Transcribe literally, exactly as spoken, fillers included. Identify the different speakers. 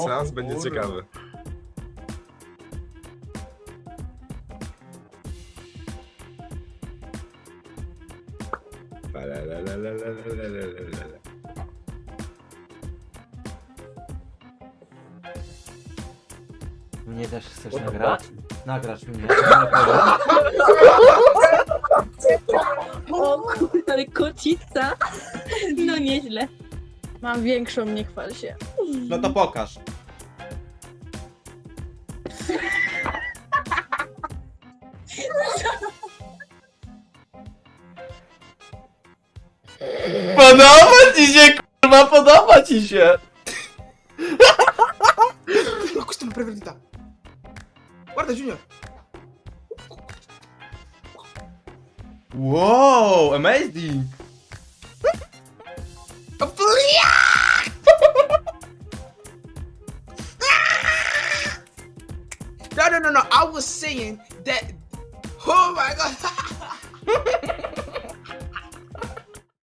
Speaker 1: Seans będzie
Speaker 2: kurwa.
Speaker 1: ciekawy. Lalalalalalalalala.
Speaker 2: Mnie też chcesz
Speaker 1: What the
Speaker 2: nagrać? Nagrasz mnie.
Speaker 3: O kurde, ale kocica. No nieźle.
Speaker 4: Mam większą, nie chwal się.
Speaker 2: No to pokaż. Podoba ci się, kurwa, podoba ci się!
Speaker 5: No, questa è una preferita. Guarda, Junior.
Speaker 2: Wow, amazing!
Speaker 5: No, no, no, no. I was saying that. Oh my god.